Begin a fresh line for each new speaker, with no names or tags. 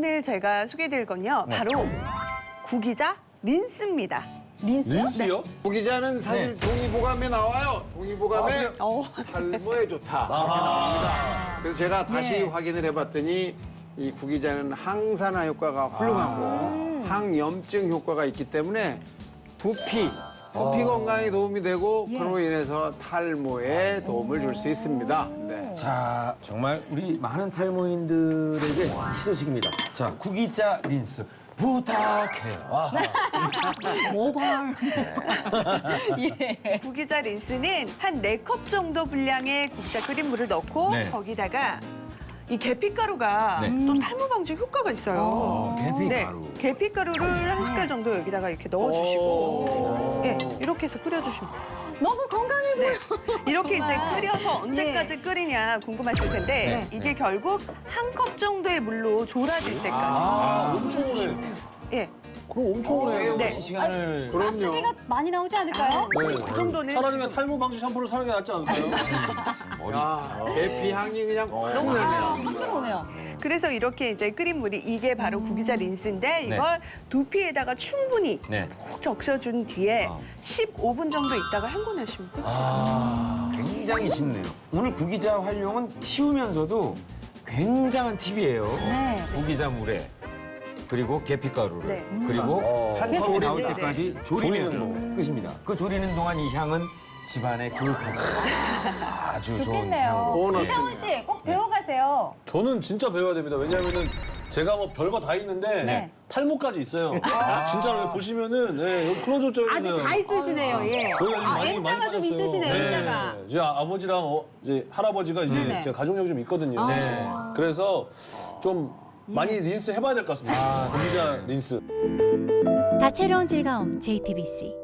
오늘 제가 소개해드릴 건요. 바로 구기자 린스입니다.
린스요?
구기자는 사실 동의보감에 나와요. 동의보감에 탈모에 좋다. 그래서 제가 다시 확인을 해봤더니 이 구기자는 항산화 효과가 훌륭하고 항염증 효과가 있기 때문에 두피 건강에 도움이 되고 그로 인해서 탈모에 도움을 줄 수 있습니다. 네.
자, 정말 우리 많은 탈모인들에게 희소식입니다. 자, 구기자 린스 부탁해요.
모발.
구기자 린스는 한 4컵 정도 분량의 국자 끓인 물을 넣고
네.
거기다가 이 계피가루가
네.
또 탈모 방지 효과가 있어요.
계피가루.
네, 계피가루를 한 숟갈 정도 여기다가 이렇게 넣어주시고 예, 이렇게 해서 끓여주시면 돼요.
너무 건강해 보여.
이렇게 이제
정말.
끓여서 언제까지 끓이냐 궁금하실 텐데 이게 결국 한 컵 정도의 물로 졸아질 때까지.
엄청 오래.
예,
그럼 엄청 오래
네.
시간을.
그럼요.
가스비가 많이 나오지 않을까요?
그 정도는
차라리 그냥 탈모 방지 샴푸를 사는 게 낫지 않을까요?
아, 계피 향이 그냥 너무 나네요.
확 들어오네요.
그래서 이렇게 이제 끓인 물이 이게 바로 구기자 린스인데 이걸 두피에다가 충분히
네.
푹 적셔준 뒤에 15분 정도 있다가 헹궈내시면 끝이에요.
굉장히 쉽네요. 오늘 구기자 활용은 쉬우면서도 굉장한 팁이에요.
네.
구기자 물에 그리고 계피가루를
네.
그리고 한 컵이 나올
네,
때까지 조리면 끝입니다. 그 조리는 동안 이 향은 집안에 교육하고 아주 좋은
좋겠네요.
향으로.
이상훈 씨 꼭 배워가세요.
저는 진짜 배워야 됩니다. 왜냐하면은 제가 뭐 별거 다 있는데
네.
탈모까지 있어요. 진짜로 보시면은 여기 클로즈업 져 있는.
아주 다 있으시네요. 예.
거기 아주 많이
M자가 좀
빠졌어요.
있으시네요. M자가.
제 아버지랑 이제 할아버지가 이제
네네.
제가 가족력이 좀 있거든요.
네.
그래서 좀 많이 린스 해봐야 될 것 같습니다. 구기자 린스.
다채로운 즐거움 JTBC